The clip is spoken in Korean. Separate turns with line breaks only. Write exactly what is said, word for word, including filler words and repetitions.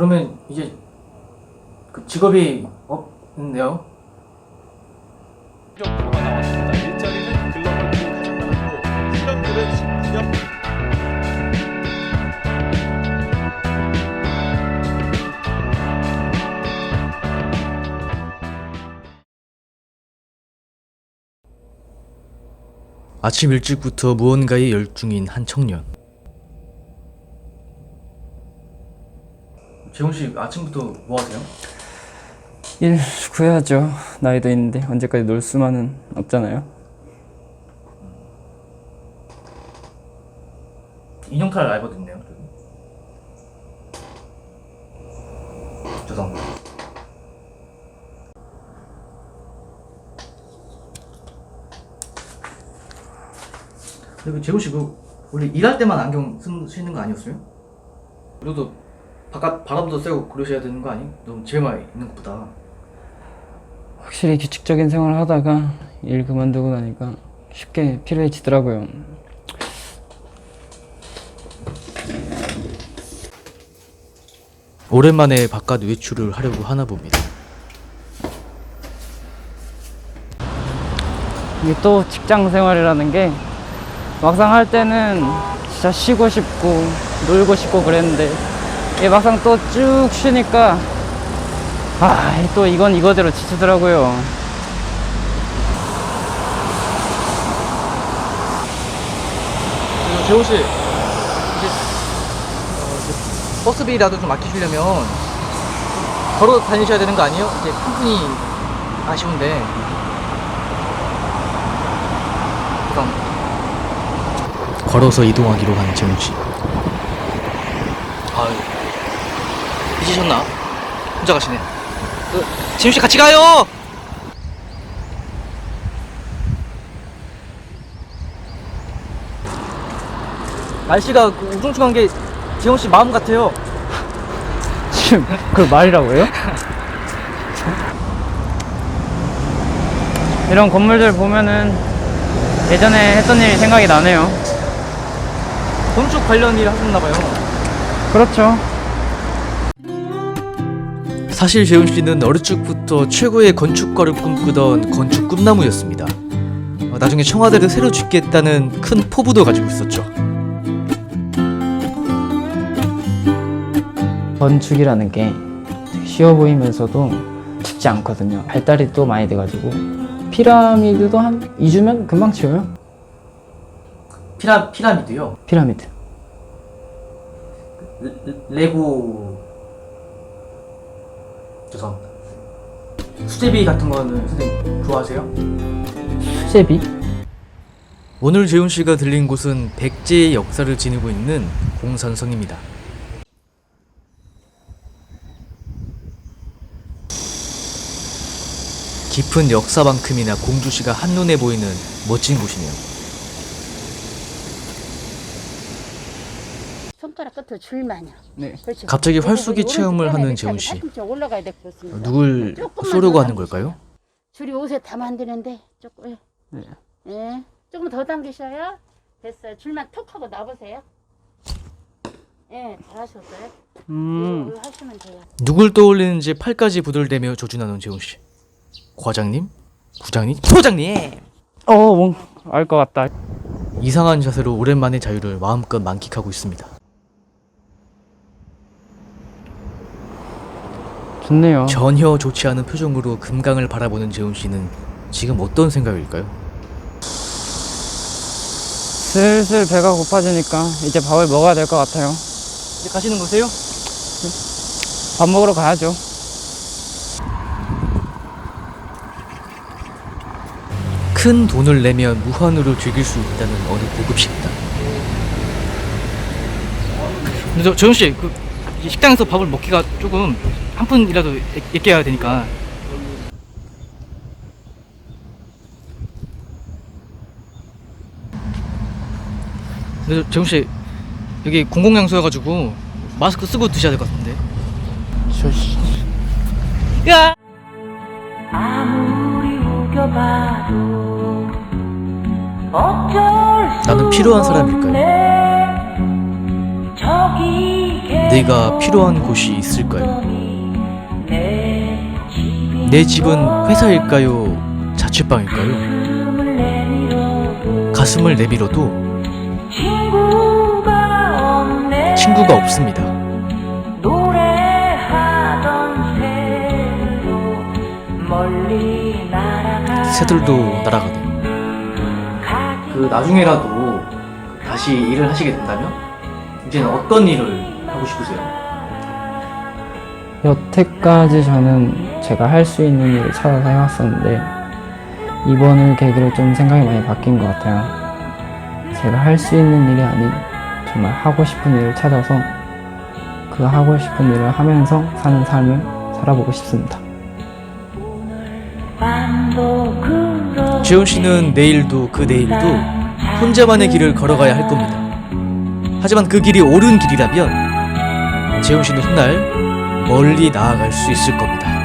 그러면 이제 그 직업이 없네요.
보고가 나왔습니다. 일자리는 글로벌 기업 가장 많았고 실업률은 십구 년.
아침 일찍부터 무언가에 열중인 한 청년. 재훈씨 아침부터 뭐 하세요?
일 구해야죠. 나이도 있는데 언제까지 놀 수만은 없잖아요.
인형탈 알바도 있네요. 죄송합니다. 근데 그 재훈씨 그 원래 일할 때만 안경 쓰시는 거 아니었어요? 그래도 바깥 바람도 쐬고 그러셔야 되는 거 아니? 너무 집에만 있는 것보다.
확실히 규칙적인 생활을 하다가 일 그만두고 나니까 쉽게 피로해지더라고요.
오랜만에 바깥 외출을 하려고 하나 봅니다.
이게 또 직장 생활이라는 게 막상 할 때는 진짜 쉬고 싶고 놀고 싶고 그랬는데 이게 막상 또 쭉 쉬니까 아, 또 이건 이거대로 지치더라고요.
재훈씨 이제 어, 이제 버스비라도 좀 아끼시려면 걸어 다니셔야 되는 거 아니에요? 이제 한 푼이 아쉬운데. 죄송합니다. 걸어서 이동하기로 한 재훈씨. 아유, 잊으셨나? 혼자 가시네. 그, 재훈씨 같이 가요! 날씨가 그 우중충한 게 재훈씨 마음 같아요.
지금 그걸 말이라고요? 이런 건물들 보면은 예전에 했던 일이 생각이 나네요.
건축 관련 일 하셨나봐요.
그렇죠.
사실 재훈씨는 어릴 적부터 최고의 건축가를 꿈꾸던 건축 꿈나무였습니다. 어, 나중에 청와대를 새로 짓겠다는 큰 포부도 가지고 있었죠.
건축이라는 게 되게 쉬워 보이면서도 쉽지 않거든요. 발달이 또 많이 돼가지고 피라미드도 한 이 주면 금방 지어요.
피라, 피라미드요?
피라미드.
레, 레고... 죄송합니다. 수제비 같은 거는 선생님 좋아하세요?
수제비?
오늘 재훈씨가 들린 곳은 백제의 역사를 지니고 있는 공산성입니다. 깊은 역사만큼이나 공주시가 한눈에 보이는 멋진 곳이네요.
손가락 끝으로 줄만요.
네.
그렇죠.
갑자기
그리고
활쏘기
오른쪽
체험을
빼야
하는
돼.
재훈씨.
팔꿈치 올라가야 돼. 그렇습니다.
누굴
조금만
쏘려고
더
하는
당기셔요.
걸까요?
줄이 옷에 닿으면 되는데 조금 예.
네.
예. 조금 더 당기셔요. 됐어요. 줄만 툭 하고 놔보세요. 예, 잘하셨어요.
음.
이거 하시면 돼요.
누굴 떠올리는지 팔까지 부들대며 조준하는 재훈씨. 과장님? 부장님? 소장님!
어, 뭔 알 것 같다.
이상한 자세로 오랜만에 자유를 마음껏 만끽하고 있습니다.
좋네요.
전혀 좋지 않은 표정으로 금강을 바라보는 재훈씨는 지금 어떤 생각일까요?
슬슬 배가 고파지니까 이제 밥을 먹어야 될 것 같아요.
이제 가시는 거세요?
밥 먹으러 가야죠.
큰 돈을 내면 무한으로 즐길 수 있다는 어느 고급 식당. 근데 저 재훈씨, 그 식당에서 밥을 먹기가 조금 한 푼이라도 아껴야 되니까. 근데 재훈씨, 여기 공공장소여가지고 마스크 쓰고 드셔야 될 것 같은데.
저 씨.
야!
아무리 우겨봐도 어쩔 수
나는 필요한 사람일까요?
없네. 저기
내가 필요한 곳이 있을까요? 내 집은 회사일까요? 자취방일까요? 가슴을 내밀어도 친구가 없습니다. 새들도 날아가네요. 그 나중에라도 다시 일을 하시게 된다면 이제는 어떤 일을 하고 싶으세요?
여태까지 저는 제가 할 수 있는 일을 찾아서 해왔었는데 이번을 계기로 좀 생각이 많이 바뀐 것 같아요. 제가 할 수 있는 일이 아닌 정말 하고 싶은 일을 찾아서 그 하고 싶은 일을 하면서 사는 삶을 살아보고 싶습니다.
재훈 씨는 내일도 그 내일도 혼자만의 길을 걸어가야 할 겁니다. 하지만 그 길이 옳은 길이라면 재훈 씨는 훗날 멀리 나아갈 수 있을 겁니다.